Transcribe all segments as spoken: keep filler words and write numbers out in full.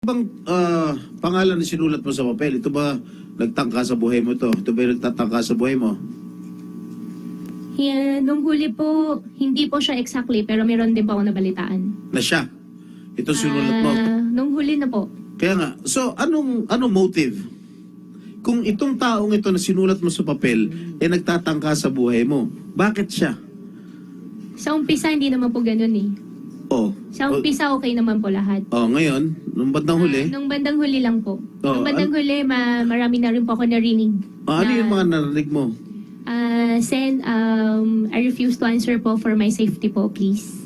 Bang ah, pangalan na sinulat mo sa papel, ito ba nagtangka sa buhay mo to? Ito ba yung nagtatangka sa buhay mo? Yeah, nung huli po, hindi po siya exactly, pero meron din po ako nabalitaan. Na siya? Ito sinulat mo? Ah, nung huli na po. Kaya nga, so anong anong motive? Kung itong taong ito na sinulat mo sa papel, eh nagtatangka sa buhay mo, bakit siya? Sa umpisa, hindi naman po ganun eh. Oh. Sa umpisa, okay naman po lahat. Oh, ngayon, nung bandang huli, Ah, nung bandang huli lang po. Oh, nung bandang huli, ma marami na rin po ako narinig. oh, ano na, yung mga narinig mo? Ah, Sen, um, I refuse to answer po for my safety po, please.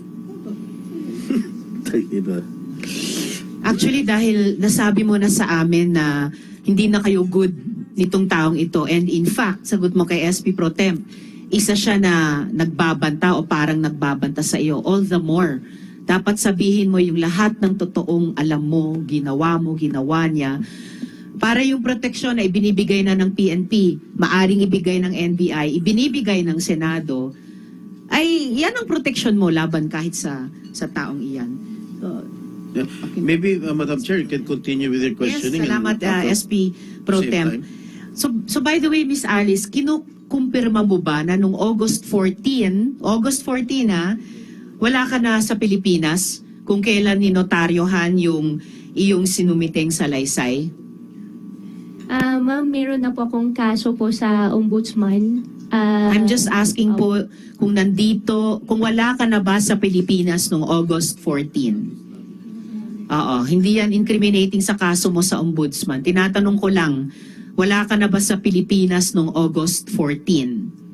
Iba. Actually, dahil nasabi mo na sa amin na hindi na kayo good nitong taong ito. And in fact, sagot mo kay S P Pro Temp, isa siya na nagbabanta o parang nagbabanta sa iyo. All the more, dapat sabihin mo yung lahat ng totoong alam mo, ginawa mo, ginawa niya. Para yung proteksyon na ibinibigay na ng P N P, maaring ibigay ng N B I, ibinibigay ng Senado, ay yan ang proteksyon mo laban kahit sa sa taong iyan. So, Yeah. Maybe, uh, Madam Chair, you can continue with your questioning. yes, salamat and, uh, S P Pro same Temp. time. So, so by the way, Miss Alice, kinukumpirma mo ba na nung August fourteenth, August fourteenth ha, wala ka na sa Pilipinas kung kailan ninotaryohan yung iyong sinumiteng salaysay? Ah, ma'am, meron na po akong kaso po sa ombudsman. Ah, I'm just asking oh, po kung nandito, kung wala ka na ba sa Pilipinas nung August fourteenth? Oo, hindi yan incriminating sa kaso mo sa ombudsman. Tinatanong ko lang, wala ka na ba sa Pilipinas nung August fourteenth?